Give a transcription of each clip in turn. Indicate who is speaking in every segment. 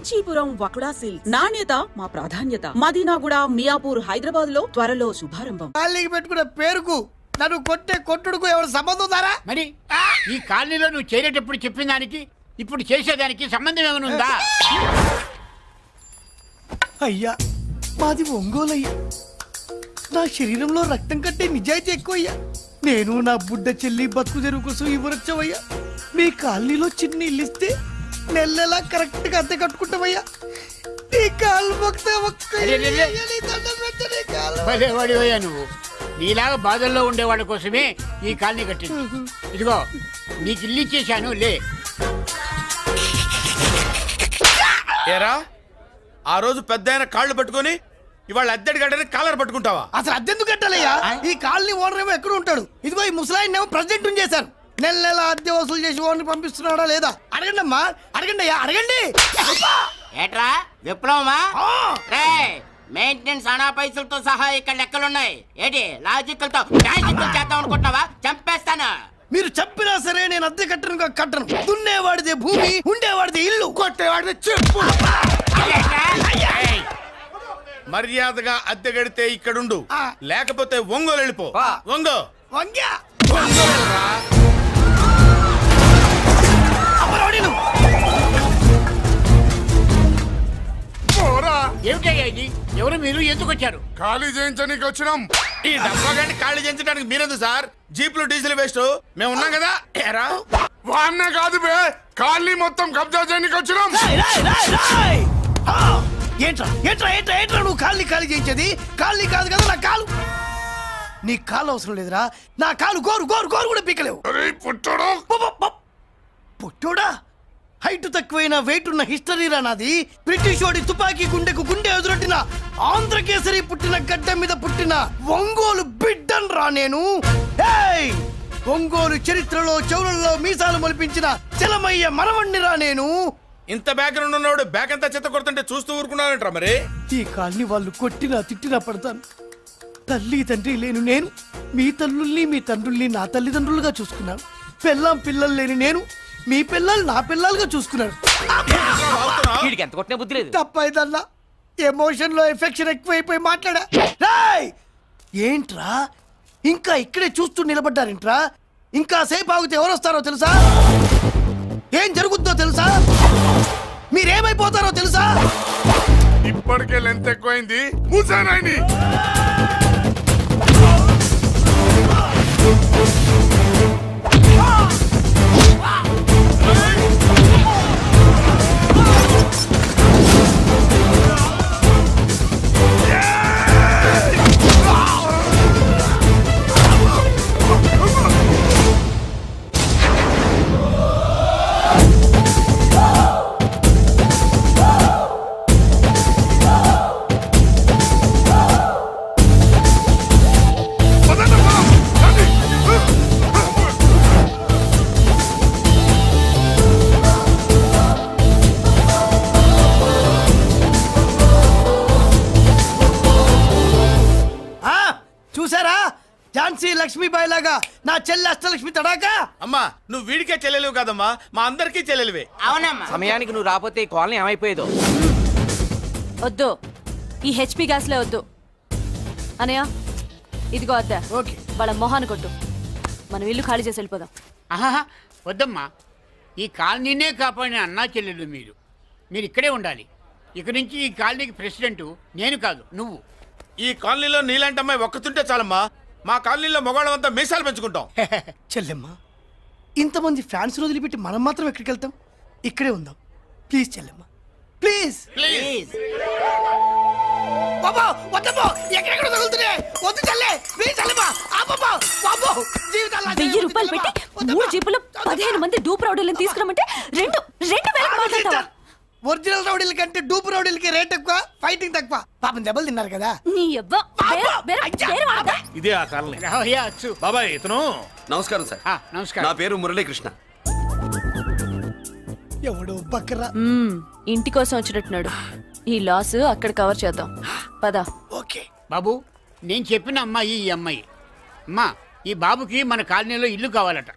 Speaker 1: Kanchipuram వకుడా silks. నాణ్యత మా ప్రాధాన్యత. మదీనాగూడ, మియాపూర్, హైదరాబాద్ లో త్వరలో శుభారంభం.
Speaker 2: కాళ్ళకి పెట్టుకున్న పేరుకు నన్ను కొట్టే కొట్టుడుకు ఎవరు సంబంధం ఉందారా?
Speaker 3: మరి ఈ కాలనీలో నువ్వు చేరేటప్పుడు చెప్పిన దానికి ఇప్పుడు చేసేదానికి సంబంధం ఏమైనా ఉందా?
Speaker 2: అయ్యా మాది ఒంగోలు అయ్యా. నా శరీరంలో రక్తం కట్టే నిజాయితీ ఎక్కువయ్యా. నేను నా బుడ్డ చెల్లి బతుకు తెరువు కోసం ఇవ్వరొచ్చావయ్యా. మీ కాలనీలో చిన్న ఇల్లు ఇస్తే నెలలా కరెక్ట్ గా అద్దె కట్టుకుంటామయ్యా. నీ కాలు
Speaker 3: భలేవాడివయ్యా నువ్వు. నీలాగా బాధల్లో ఉండేవాళ్ళ కోసమే ఈ కాలనీ కట్టింది. ఇదిగో నీకు ఇల్లు ఇచ్చేశాను, లే.
Speaker 4: ఏరా ఆ రోజు పెద్ద కాళ్ళు పట్టుకొని ఇవాళ అద్దెడి గడ్డని కాలర్ పట్టుకుంటావా?
Speaker 2: అసలు అద్దెందుకు కట్టాలయ్యా? ఈ కాలనీ ఓనర్ ఏమో ఎక్కడ ఉంటాడు? ఇదిగో ఈ ముసలాయిని ఏమో ప్రెసిడెంట్ చేశారు. నెల నెల అద్దె వసూలు చేసి ఓనర్ పంపిస్తున్నాడా లేదా అడగండి అమ్మా. అడగండి అయ్యా, అడగండి.
Speaker 5: ఏట్రా విప్లవమా? మెయింటెనెన్స్ అనా పైసలతో సహా ఇక్కడ లెక్కలున్నాయి. ఏంటి లాజికల్ తో మ్యాజికల్ చేద్దాం అనుకుంటున్నావా? చంపేస్తాను.
Speaker 2: మీరు చెప్పినా సరే నేను అద్దె కట్టను. దున్నేవాడిదే భూమి, ఉండేవాడిదే ఇల్లు, కొట్టేవాడిదే చెప్పు.
Speaker 4: మర్యాదగా అద్దె గడితే ఇక్కడుండు, లేకపోతే ఒంగోలు వెళ్ళిపో. ఒంగో
Speaker 2: వంగ్యా
Speaker 3: ఏమిటయ్యా ఇది? ఎవరు మీరు? ఎందుకు వచ్చారు?
Speaker 4: ఖాళీ చేయించడానికి వచ్చినాం. ఈ డబ్బా గంట ఖాళీ చేయించడానికి మీరెందు సార్? జీప్లు డీజిల్ వేస్ట్, మేము ఉన్నాం కదా. ఏరా వాన్న కాదు బే, ఖాళీ మొత్తం కబ్జా చేయడానికి వచ్చినాం.
Speaker 2: ఏంట్రా నువ్వు ఖాళీ చేయించేది? ఖాళీ కాదు కదా నా కాలు. నీ కాలు అవసరం లేదురా. నా కాలు గోరు కూడా పీకలేవు. పుట్టోడా హైట్ తక్కువైన వెయిట్ ఉన్న హిస్టరీరా నాది. బ్రిటిష్ వాడి తుపాకీ గుండెకు గుండె ఎదురొట్టిన ఆంధ్రకేసరి పుట్టిన గడ్డ మీద పుట్టిన ఒంగోలు బిడ్డన్ రా నేను. ఒంగోలు చరిత్రలో చౌరల్లో మీసాలు మొలిపించిన చలమయ్య మనవణ్ణి రా నేను.
Speaker 4: ఇంత బ్యాక్గ్రౌండ్ ఉన్నవాడు బ్యాక్ అంతా చెత్త కొడుతుంటే చూస్తూ ఊరుకున్నానంటారా? మరి
Speaker 2: ఈ కాల్ని వాళ్ళు కొట్టినా తిట్టినా పడతాను. తల్లి తండ్రి లేను నేను మీ తల్లుల్ని మీ తండ్రుల్ని నా తల్లిదండ్రులుగా చూసుకున్నాను. పెళ్ళాం పిల్లలు లేని నేను మీ పిల్లలు నా పిల్లలుగా చూసుకున్నాను. తప్పైదల్లా ఎమోషన్ లో ఎఫెక్షన్ ఎక్కువైపోయి మాట్లాడా. ఏంట్రా ఇంకా ఇక్కడే చూస్తూ నిలబడ్డారేంట్రా? ఇంకా సేపు ఆగితే ఎవరు వస్తారో తెలుసా? ఏం జరుగుద్దో తెలుసా? మీరేమైపోతారో తెలుసా?
Speaker 4: ఇప్పటికే లెంత్ ఎక్కువైంది. మూసానాయని
Speaker 2: లక్ష్మీబాయి లాగా నా చెల్లి అష్టలక్ష్మి తడాకా.
Speaker 4: అమ్మా నువ్వు వీడికే చెల్లెలివి కాదమ్మా, మా అందరికీ చెల్లెలివే.
Speaker 5: అవునమ్మా.
Speaker 6: సమయానికి నువ్వు రాకపోతే ఈ కాలనీ ఏమైపోయేదో.
Speaker 7: వద్దు, ఈ హెచ్పి గ్యాస్లే వద్దు. అనయ్య ఇదిగో అద్దా.
Speaker 2: ఓకే,
Speaker 7: వాళ్ళ మొహాన్ని కొట్టు. మనం ఇల్లు ఖాళీ చేసి వెళ్ళిపోదాం.
Speaker 3: ఆహా వద్దమ్మా, ఈ కాలనీనే కాపాడిన అన్నా చెల్లెలు మీరు ఇక్కడే ఉండాలి. ఇక్కడి నుంచి ఈ కాలనీకి ప్రెసిడెంట్ నేను కాదు, నువ్వు.
Speaker 4: ఈ కాలనీలో నీలాంటి అమ్మాయి ఒక్కతుంటే చాలమ్మా. మా కాలనీలో మగవాళ్ళంతా మీసాలు పెంచుకుంటాం.
Speaker 2: చెల్లెమ్మా, ఇంతమంది ఫ్యాన్స్ వదిలిపెట్టి మనం మాత్రం ఎక్కడికి వెళ్తాం? ఇక్కడే ఉందాం ప్లీజ్ చెల్లెమ్మా, ప్లీజ్.
Speaker 5: ప్లీజ్.
Speaker 2: బాబా వద్దమ్మా, ఎక్కడెక్కడ తగులుతున్నాయి. వద్దు చెల్లె, ప్లీజ్ చెల్లెమ్మా. అబ్బబ్బా బాబో, జీవితాల్లో
Speaker 7: 1000 రూపాయలు పెట్టి 3 జీపులు 15 మంది డూప్ రౌడీలను తీసుకురమంటే 2000 మాట్లాడతావా?
Speaker 2: ఒరిజినల్ రౌడీల కంటే డూప్ రౌడీలకి రేట్ ఎక్కువ, ఫైటింగ్ తక్కువ. పాపం దెబ్బలు తిన్నారు కదా.
Speaker 7: నీ అబ్బ
Speaker 8: ఇదే ఆ కాలనీ.
Speaker 3: రావయ్యా అచ్చు.
Speaker 8: బాబాయ్ ఇతను. నమస్కారం సార్.
Speaker 3: నమస్కారం.
Speaker 8: నా పేరు మురళీకృష్ణ.
Speaker 2: ఎవడో బక్కరా.
Speaker 7: ఇంటి కోసం వచ్చినట్టున్నాడు. ఈ లాస్ అక్కడ కవర్ చేద్దాం పద.
Speaker 2: ఓకే
Speaker 3: బాబు, నేను చెప్పిన అమ్మాయి ఈ అమ్మాయి. అమ్మా, ఈ బాబుకి మన కాలనీలో ఇల్లు కావాలట.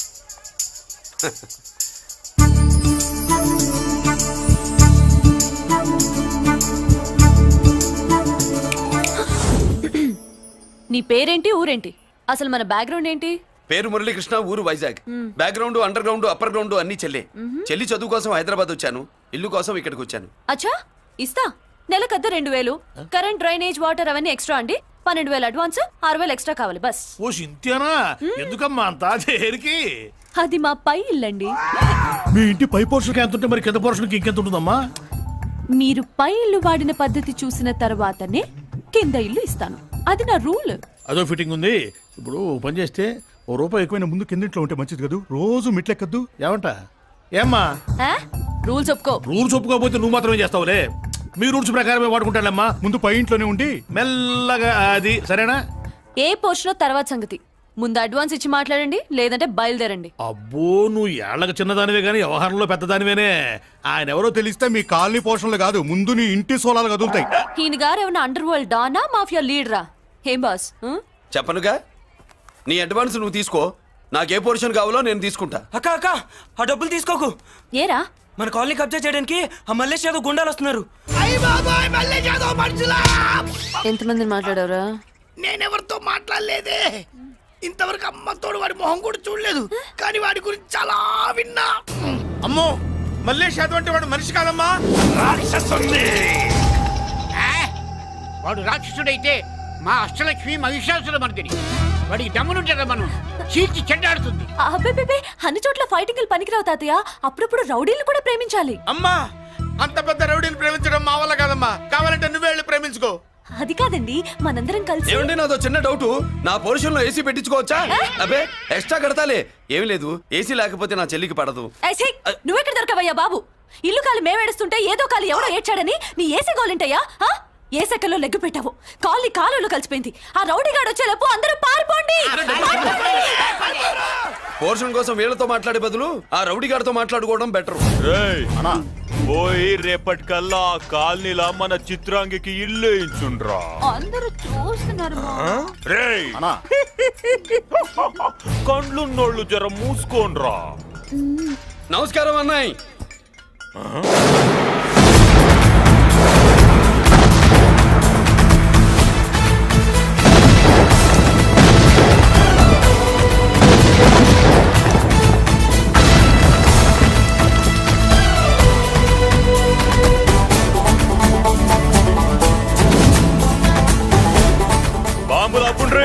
Speaker 7: నీ పేరేంటి ఊరేంటి అసలు మన బ్యాక్గ్రౌండ్ ఏంటి?
Speaker 8: పేరు మురళీకృష్ణ, ఊరు Vizag. Background, underground, upper ground అన్ని చెల్లె. చెల్లి చదువు కోసం హైదరాబాద్ వచ్చాను, ఇల్లు కోసం ఇక్కడికి వచ్చాను.
Speaker 7: అచ్చా ఇస్తా. నెలకద్ద 2000, కరెంట్, డ్రైనేజ్, వాటర్ అవన్నీ ఎక్స్ట్రా అండి. 12,000 అడ్వాన్స్, 6,000 ఎక్స్ట్రా కావాలి బస్.
Speaker 9: ఓ సింత్యానా, ఎందుకమ్మా అంత చేరికి?
Speaker 7: అది మా పై ఇల్లండి.
Speaker 9: మీ ఇంటి పై పోర్షన్కి ఎంత ఉంటే మరి కింద పోర్షన్కి ఇంకెంత ఉంటుందమ్మా?
Speaker 7: మీరు పై ఇల్లు వాడిన పద్ధతి చూసిన తర్వాతనే కింద ఇల్లు ఇస్తాను. అది నా రూల్.
Speaker 9: అదో ఫిట్టింగ్ ఉంది. ఇప్పుడు ఓ పని చేస్తే ఓ రూపాయి ఎక్కువైనా ముందు కిందింట్లో ఉంటే మంచిది కదూ. రోజు మెట్లెక్కద్దు ఏమంట? ఏమ్మా
Speaker 7: రూల్స్ ఒప్పుకో.
Speaker 9: రూల్స్ ఒప్పుకోకపోతే నువ్వు మాత్రమే చేస్తావులే. మీ రూల్స్ ప్రకారమే వాడుకుంటానమ్మా. ముందు పై ఇంట్లోనే ఉండి మెల్లగా అది సరేనా?
Speaker 7: ఏ పోర్షన్ తర్వాత సంగతి. ముందు అడ్వాన్స్ ఇచ్చి మాట్లాడండి, లేదంటే బయలుదేరండి.
Speaker 9: అబ్బో, నువ్వు ఏళ్ళకి చిన్నదానివే గానీ వ్యవహారంలో పెద్దదానివేనే. ఆయన ఎవరో తెలిస్తే మీ కాలనీ పోషణలు కాదు, ముందు నీ ఇంటి సోలాలు కదులుతాయి.
Speaker 7: ఈయన గారు ఏమన్నా అండర్ వరల్డ్ డానా, మాఫియా లీడరా? ఏం బాస్?
Speaker 8: చెప్పనుగా, నీ అడ్వాన్స్ నువ్వు తీసుకో, నాకే పోర్షన్ కావాలో నేను తీసుకుంటా.
Speaker 6: అక్క అక్క, ఆ డబ్బులు తీసుకోకు.
Speaker 7: ఏరా?
Speaker 6: మన కాలనీ కబ్జా చేయడానికి ఆ మల్లేష్ యాదవ్ గుండాలు వస్తున్నారు.
Speaker 2: అయ్య బాబాయ్ మల్లేష్ యాదవ్ మనుషులా!
Speaker 7: ఎంతమంది మాట్లాడారా?
Speaker 2: నేనెవరితో మాట్లాడలేదే. ఇంతవరకు అమ్మతోడు వాడి మొహం కూడా చూడలేదు, కానీ వాడి గురించి చాలా విన్నా.
Speaker 4: అమ్మో, మల్లేష్ యాదవ్ అంటే వాడు మనిషి కాదమ్మా, రాక్షసుని.
Speaker 3: వాడు రాక్షసుడైతే మా అష్టలక్ష్మి మహిషాసుల మర్దిని. వాడికి దమ్మునుంటారా మనం చీల్చి చెడ్డాడుతుంది.
Speaker 7: అబ్బే, అన్ని చోట్ల ఫైటింగ్ పనికిరావు తాతయ్య. అప్పుడప్పుడు రౌడీలు కూడా ప్రేమించాలి.
Speaker 4: అమ్మా, అంత పెద్ద రౌడీని ప్రేమించడం మా వల్ల కాదమ్మా. కావాలంటే నువ్వే వెళ్ళి ప్రేమించుకో.
Speaker 7: అది కాదండి, మనందరం కలిసి.
Speaker 8: ఏమండి, నాదో చిన్న డౌట్. నా పోర్షన్ లో ఏసీ పెట్టించుకోవచ్చా? అబ్బే, ఎక్స్ట్రా కడతాలే. ఏమి లేదు, ఏసీ లేకపోతే నా చెల్లికి పడదు.
Speaker 7: నువ్వెక్కడ దొరకవయ్యా బాబు? ఇల్లు కాలు మేమేడుస్తుంటే ఏదో కాలు ఎవడో ఏడ్చాడని నీ ఏసీ గోలింటయ్యా? ఏ సెకల్లో లెగ్గు పెట్టావు, కాలి కాలులో కలిసిపోయింది. ఆ రౌడీగాడు వచ్చేలోపు అందరూ పారిపోండి.
Speaker 8: పోర్షన్ కోసం వీళ్ళతో మాట్లాడే బదులు ఆ రౌడీ గారితో మాట్లాడుకోవడం బెటర్.
Speaker 10: పోయి రేపటికల్లా కాలనీలా మన చిత్రాంగికి ఇల్లు ఇచ్చుండ్రా.
Speaker 7: అందరూ చూస్తున్నారు.
Speaker 10: రేయ్, కండ్లున్నోళ్ళు జర మూసుకోండ్రా.
Speaker 8: నమస్కారం అన్నాయ్.
Speaker 10: బాంబులు అప్పుండ్రీ.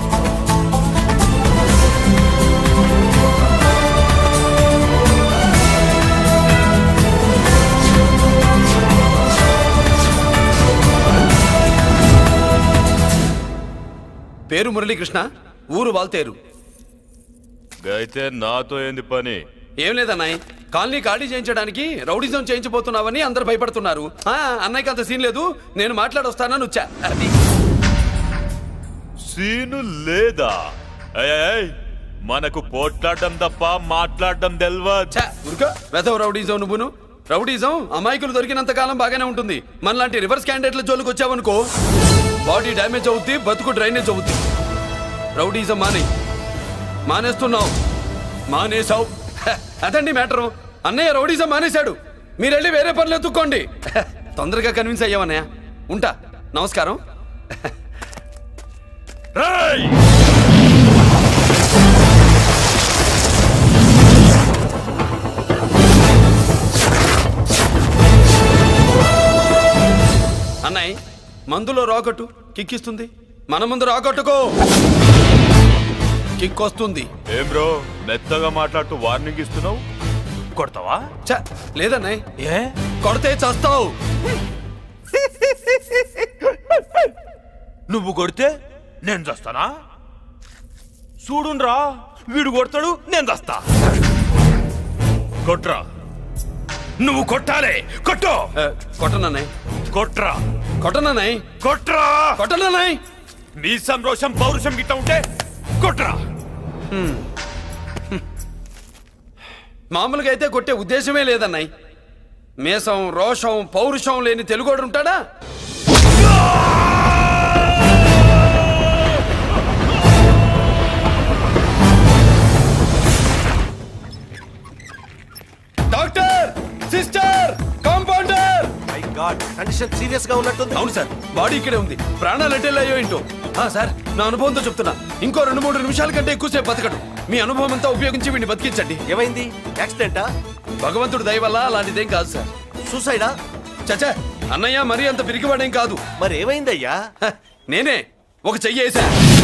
Speaker 8: పేరు మురళీకృష్ణ, ఊరు వాల్తేరు.
Speaker 10: అయితే నాతో ఏంది పని?
Speaker 8: ఏం లేదన్నాయ్, కాలనీ ఖాళీ చేయించడానికి రౌడిజం చేయించబోతున్నావని అందరు భయపడుతున్నారు. అన్నయ్యకి అంత సీన్ లేదు, నేను మాట్లాడొస్తానని వచ్చా. అది
Speaker 10: సీను లేదా? ఏయ్, మనకు పోట్లాడడం తప్ప మాట్లాడడం తెల్వా.
Speaker 8: వెధవ రౌడీజం నువ్వును. రౌడీజం అమాయకులు దొరికినంత కాలం బాగానే ఉంటుంది. మనలాంటి రివర్స్ క్యాండిడేట్ల జోలికి వచ్చావనుకో, బాడీ డ్యామేజ్ అవుద్ది, బతుకు డ్రైనేజ్ అవుద్ది. రౌడీజం మానేస్తున్నావు, మానేసావు. అదండి మ్యాటరు. అన్నయ్య రౌడీజం మానేశాడు, మీరెళ్ళి వేరే పనులు ఎత్తుక్కోండి. తొందరగా కన్విన్స్ అయ్యావన్నయ్య. ఉంటా, నమస్కారం. అన్నయ్య, మందులో రాకట్టు కిక్కిస్తుంది, మన ముందు రాకట్టుకో కిక్ వస్తుంది.
Speaker 10: ఏం బ్రో, మెత్తగా మాట్లాడుతూ వార్నింగ్ ఇస్తున్నావు? కొడతావా?
Speaker 8: లేదన్నయ్య,
Speaker 10: ఏ
Speaker 8: కొడితే చస్తావు.
Speaker 10: నువ్వు కొడితే నేను చస్తానా? చూడుండ్రా, వీడు కొడతాడు, నేను చస్తా. కొట్రా, నువ్వు కొట్టాలే. కొట్టు.
Speaker 8: కొట్టనన్నయ్య,
Speaker 10: కొట్రా.
Speaker 8: కొట్టనన్నయ్య,
Speaker 10: కొట్రా.
Speaker 8: కొట్టనన్నయ్య.
Speaker 10: నీ సంరోషం పౌరుషం గిట్ట ఉంటే కొట్రా.
Speaker 8: మామూలుగా అయితే కొట్టే ఉద్దేశమే లేదన్నయ్య. మేషం, రోషం, పౌరుషం లేని తెలుగోడు ఉంటాడా? Doctor, sister, compounder.
Speaker 6: My god, condition serious గా ఉన్నట్టుంది.
Speaker 8: అవును సార్, బాడీ ఇక్కడే ఉంది, ప్రాణాలు ఎట్టెళ్ళాయో ఏంటో. సార్ నా అనుభవంతో చెప్తున్నా ఇంకో 2-3 నిమిషాల కంటే ఎక్కువసేపు బతకడు. మీ అనుభవం అంతా ఉపయోగించి వీడిని బతికించండి.
Speaker 11: ఏమైంది? యాక్సిడెంటా?
Speaker 8: భగవంతుడు దయ వల్ల అలాంటిదేం కాదు సార్.
Speaker 11: సూసైడా?
Speaker 8: చచ్చా అన్నయ్య మరీ అంత పిరికివాడేం కాదు.
Speaker 11: మరి ఏమైందయ్యా?
Speaker 8: నేనే ఒక చెయ్యి వేసా.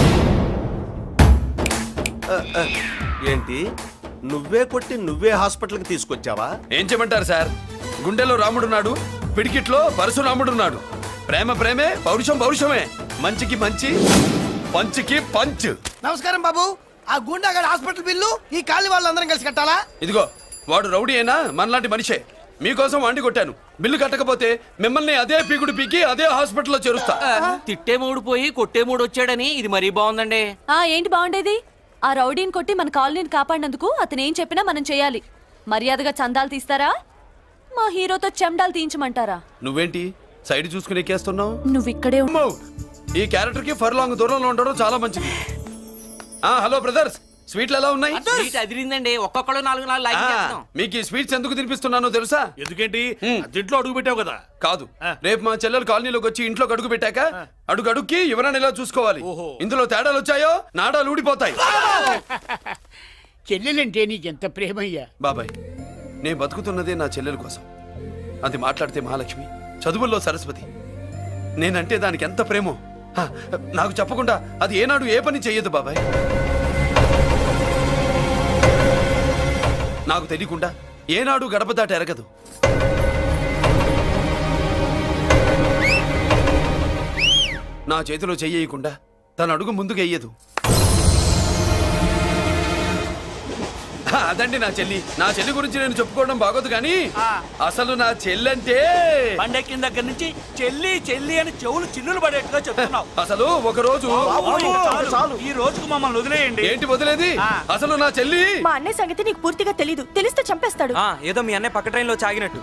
Speaker 11: ఏంటి, నువ్వే కొట్టి నువ్వే హాస్పిటల్కి తీసుకొచ్చావా?
Speaker 8: ఏం చేయమంటారు సార్, గుండెలో రాముడున్నాడు, పిడికిట్లో పరశురాముడున్నాడు. ప్రేమ ప్రేమే, పౌరుషం పౌరుషమే, మంచికి మంచి, పంచికి పంచ్.
Speaker 2: నమస్కారం బాబు. ఆ గుండాగడ్ హాస్పిటల్ బిల్లు ఈ కాలి వాళ్ళందరం కలిసి కట్టాలా?
Speaker 8: ఇదిగో వాడు రౌడీ అయినా మనలాంటి మనిషే. మీకోసం వండి కొట్టాను. బిల్లు కట్టకపోతే మిమ్మల్ని అదే పీకుడు పీకి అదే హాస్పిటల్లో చేరుస్తా.
Speaker 6: తిట్టే మూడు పోయి కొట్టే మూడు వచ్చాడని ఇది మరీ బాగుందండి.
Speaker 7: ఏంటి బాగుండేది? ఆ రౌడీని కొట్టి మన కాలనీని కాపాడినందుకు అతను ఏం చెప్పినా మనం చేయాలి. మర్యాదగా చందాలు తీస్తారా, మా హీరోతో చెండాలు తీయించమంటారా?
Speaker 8: నువ్వేంటి సైడ్ చూసుకుని ఎక్కేస్తున్నావు?
Speaker 7: నువ్వు ఇక్కడే
Speaker 8: అమ్మో, ఈ క్యారెక్టర్ కి ఫర్ లాంగ్ దూరంలో ఉండడం చాలా మంచిది. హలో బ్రదర్స్, స్వీట్లు ఎలా ఉన్నాయి?
Speaker 6: అదిరిందండి, ఒక్కొక్కడు 4
Speaker 8: మీకు ఈ స్వీట్స్ ఎందుకు తినిపిస్తున్నానో తెలుసా?
Speaker 9: ఎందుకేంటి దీంట్లో అడుగు పెట్టావు కదా.
Speaker 8: కాదు, రేపు మా చెల్లెలు కాలనీలోకి వచ్చి ఇంట్లోకి అడుగు పెట్టాక అడుగు అడుక్కి ఎవరైనా ఇలా చూసుకోవాలి. ఇందులో తేడాలు వచ్చాయో నాడాలు ఊడిపోతాయి.
Speaker 3: చెల్లెలంటే నీకెంత ప్రేమయ్యా.
Speaker 8: బాబాయ్, నేను బతుకుతున్నదే నా చెల్లెల కోసం. అది మాట్లాడితే మహాలక్ష్మి, చదువుల్లో సరస్వతి. నేనంటే దానికి ఎంత ప్రేమో నాకు చెప్పకుండా అది ఏనాడు ఏ పని చెయ్యదు బాబాయ్. నాకు తెలియకుండా ఏనాడు గడప దాట ఎరగదు. నా చేతిలో చెయ్యకుండా తన అడుగు ముందుకు వెయ్యదు. అదండి నా చెల్లి. నా చెల్లి గురించి నేను చెప్పుకోవడం బాగోదు కానీ అసలు నా చెల్లంటే
Speaker 6: పండెక్కిన దగ్గర నుంచి చెల్లి చెల్లి అని చెవులు చిల్లులు పడేట్టుగా చెప్తున్నావు.
Speaker 8: అసలు ఒక రోజు
Speaker 6: ఈ రోజుకు మమ్మల్ని వదిలేయండి.
Speaker 8: ఏంటి వదిలేది? అసలు నా చెల్లి.
Speaker 7: మా అన్నయ్య సంగతి నీకు పూర్తిగా తెలీదు. తెలిస్తే చంపేస్తాడు.
Speaker 6: ఏదో మీ అన్నయ్య పక్క ట్రైన్ లో చాగినట్టు.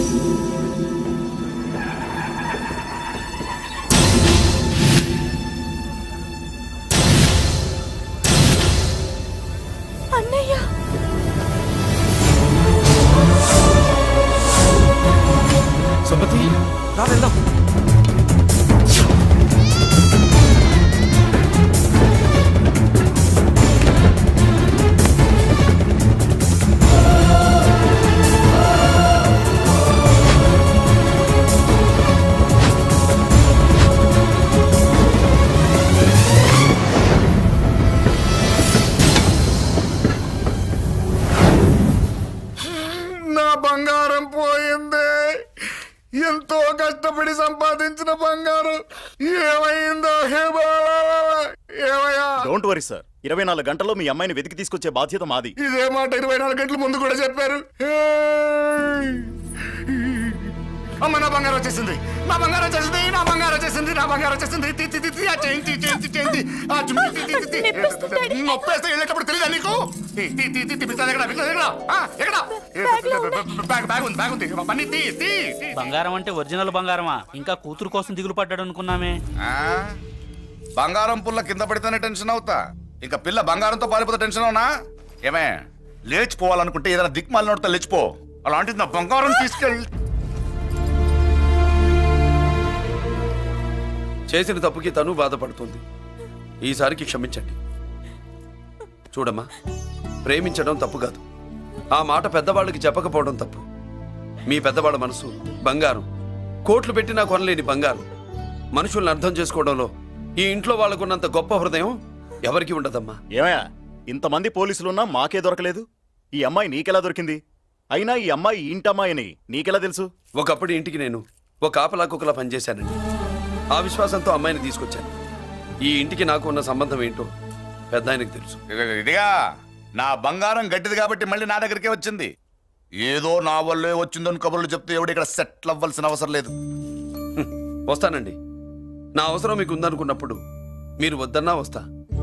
Speaker 7: అన్నయ్య
Speaker 8: సుమతి,
Speaker 6: రా వెళ్దాం.
Speaker 4: నా బంగారం పోయింది. ఎంతో కష్టపడి సంపాదించిన బంగారం ఏమైందో హే బాబా, ఏమయ్యా?
Speaker 11: డోంట్ వరీ సార్, 24 గంటల్లో మీ అమ్మాయిని వెతికి తీసుకొచ్చే బాధ్యత మాది.
Speaker 4: ఇదే మాట 24 గంటల ముందు కూడా చెప్పారు. అమ్మ, నా బంగారం వచ్చేసింది, నా బంగారం వచ్చేసింది, నా బంగారం వచ్చేసింది, నా బంగారం వచ్చేసింది. నొప్పేస్తే వెళ్ళేటప్పుడు తెలియదా నీకు?
Speaker 6: బంగారం అంటే ఒరిజినల్ బంగారమా? ఇంకా కూతురు కోసం దిగులు పడ్డాడు అనుకున్నామే.
Speaker 4: బంగారం పుల్ల కింద పడితేనే టెన్షన్ అవుతా, ఇంకా పిల్ల బంగారంతో పారిపోతే టెన్షన్ అవునా? ఏమే, లేచిపోవాలనుకుంటే ఏదైనా దిక్మాల నోడితే లేచిపో. అలాంటిది నా బంగారం తీసుకెళ్ళి.
Speaker 8: చేసిన తప్పుకి తను బాధపడుతుంది. ఈసారికి క్షమించండి. చూడమ్మా, ప్రేమించడం తప్పు కాదు, ఆ మాట పెద్దవాళ్ళకి చెప్పకపోవడం తప్పు. మీ పెద్దవాళ్ళ మనసు బంగారం, కోట్లు పెట్టినా కొనలేని బంగారం. మనుషుల్ని అర్థం చేసుకోవడంలో ఈ ఇంట్లో వాళ్ళకున్నంత గొప్ప హృదయం ఎవరికి ఉండదమ్మా.
Speaker 11: ఏమయ్యా, ఇంతమంది పోలీసులున్నా మాకే దొరకలేదు. ఈ అమ్మాయి నీకెలా దొరికింది? అయినా ఈ అమ్మాయి ఇంటమ్మాయిని నీకెలా తెలుసు?
Speaker 8: ఒకప్పుడు ఇంటికి నేను ఒక ఆపలా కుక్కలా పనిచేశానండి. ఆ విశ్వాసంతో అమ్మాయిని తీసుకొచ్చాను. ఈ ఇంటికి నాకు ఉన్న సంబంధం ఏంటో పెద్ద ఆయనకు తెలుసు.
Speaker 4: ఇదిగా నా బంగారం గట్టిది కాబట్టి మళ్ళీ నా దగ్గరికే వచ్చింది. ఏదో నా వల్లే వచ్చిందని కబుర్లు చెప్తే ఎవడు ఇక్కడ సెటిల్ అవ్వాల్సిన అవసరం లేదు.
Speaker 8: వస్తానండి. నా అవసరం మీకు ఉందనుకున్నప్పుడు మీరు వద్దన్నా వస్తా.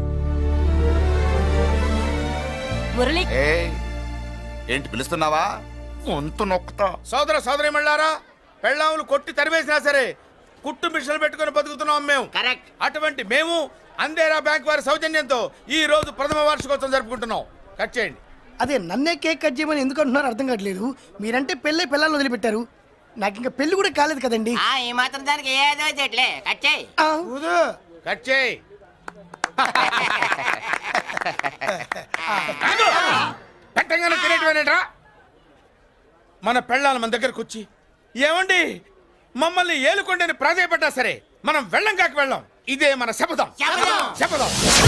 Speaker 7: మురళి,
Speaker 4: ఏంటి పిలుస్తున్నావా? వంతు నొక్కుతా. సోదర సోదరి మళ్ళారా, పెళ్ళాములు కొట్టి తరివేసినా సరే కుట్టు మిషన్లు పెట్టుకుని బతుకుతున్నాం మేము.
Speaker 5: కరెక్ట్.
Speaker 3: అటువంటి మేము అందేరా బ్యాంక్ వారి సౌజన్యంతో ఈ రోజు ప్రథమ వార్షికోత్సవం జరుపుకుంటున్నాం. కట్ చేయండి.
Speaker 2: అదే నన్నే కేక్ కట్ చేయమని ఎందుకు అంటున్నారో అర్థం కావట్లేదు. మీరంటే పెళ్ళై పిల్లల్ని వదిలిపెట్టారు, నాకు ఇంకా పెళ్లి కూడా కాలేదు కదండి.
Speaker 5: ఈ మాత్రం దానికి ఏదో చెట్లే కట్ చేయి.
Speaker 3: కట్ చేయి.
Speaker 4: పెట్టంగానే తినేటివేనేట్రా మన పెళ్ళాలి మన దగ్గరకు వచ్చి ఏమండి మమ్మల్ని ఏలుకొండని ప్రాధాయపడ్డా సరే మనం వెళ్ళం కాక వెళ్ళం ఇదే మన శపథం శపథం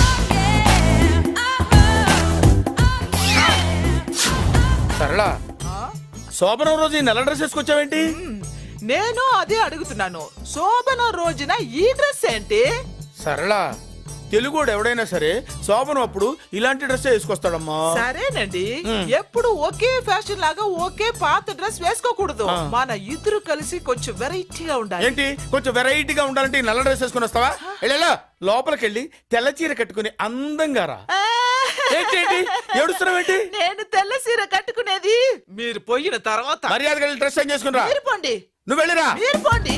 Speaker 4: సరళ శోభనం రోజు ఈ నల్ల డ్రెస్ వేసుకొచ్చావేంటి
Speaker 12: నేను అదే అడుగుతున్నాను శోభన రోజున ఈ డ్రెస్ ఏంటి
Speaker 4: సరళ తెలుగుడు ఎవడైనా సరే శోభనం అప్పుడు ఇలాంటి డ్రెస్ వేసుకొస్తాడమ్మా
Speaker 12: సరేనండి ఎప్పుడు ఒకే ఫ్యాషన్ లాగా ఒకే పాత డ్రెస్ వేసుకోకూడదు మన ఇద్దరు కలిసి కొంచెం వెరైటీగా ఉండాలి
Speaker 4: ఏంటి కొంచెం వెరైటీగా ఉండాలంటే ఈ నల్ల డ్రెస్ వేసుకుని వస్తావా వెళ్ళా లోపలికి వెళ్ళి తెల్ల చీర కట్టుకుని అందంగా రా ఏంటి ఏడుస్తున్నావేంటి
Speaker 12: నేను తెల్ల సీర కట్టుకునేది మీరు పోయిన తర్వాత
Speaker 4: మర్యాదగా వెళ్ళి డ్రెస్ చేంజ్ చేసుకుని రా
Speaker 12: మీరు పోండి
Speaker 4: నువ్వు వెళ్ళిరా
Speaker 12: మీరు పోండి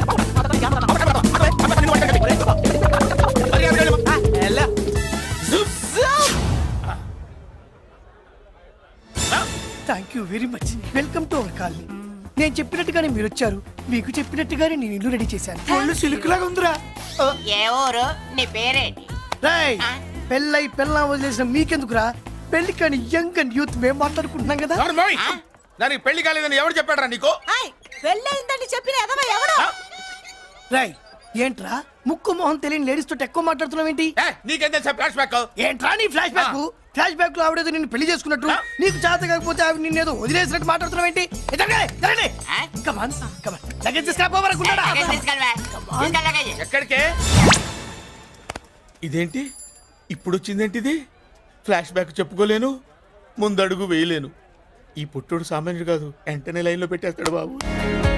Speaker 4: మర్యాదగా వెళ్ళు.
Speaker 12: ఎలా?
Speaker 2: Thank you very much welcome to our colony. నేను చెప్పినట్టుగానే మీరు వచ్చారు, మీకు చెప్పినట్టుగానే నేను ఇల్లు రెడీ చేశాను. ఒళ్ళు సిల్క్ లాగా ఉందిరా.
Speaker 5: ఏ ఊరు నీ పేరేంటి
Speaker 2: రాయ్ పెళ్ళై పెళ్ళం వదిలేసిన మీకెందుకురా? పెళ్లి కాని యంగ్ అండ్ యూత్ మేము మాట్లాడుకుంటున్నాం కదా.
Speaker 4: ఎవరు మోయ్? దానికి పెళ్లి కాలేదని ఎవరు చెప్పాడరా నీకు
Speaker 12: పెళ్ళయిందని చెప్పిన ఎదవ ఎవడు
Speaker 2: రాయ్ ఏంట్రా ముక్కు మొహం తెలియని లేడీస్ తోటి ఎక్కువ మాట్లాడుతున్నావు ఏంటి?
Speaker 4: నీకేం తెలుసా ఫ్లాష్ బ్యాక్
Speaker 2: ఏంట్రా నీ ఫ్లాష్ బ్యాక్? ఫ్లాష్ బ్యాక్ లో ఆవిడేదో నిన్ను పెళ్లి చేసుకున్నట్టు, నీకు చేత కాకపోతే ఆవిడ నిన్నేదో వదిలేసినట్టు మాట్లాడుతున్నావు ఏంటి?
Speaker 4: ఎక్కడికే ఇదేంటి ఇప్పుడు వచ్చిందేంటి ఇది? ఫ్లాష్ బ్యాక్ చెప్పుకోలేను, ముందడుగు వేయలేను. ఈ పుట్టుడు సామాన్యుడు కాదు, వెంటనే లైన్లో పెట్టేస్తాడు బాబు.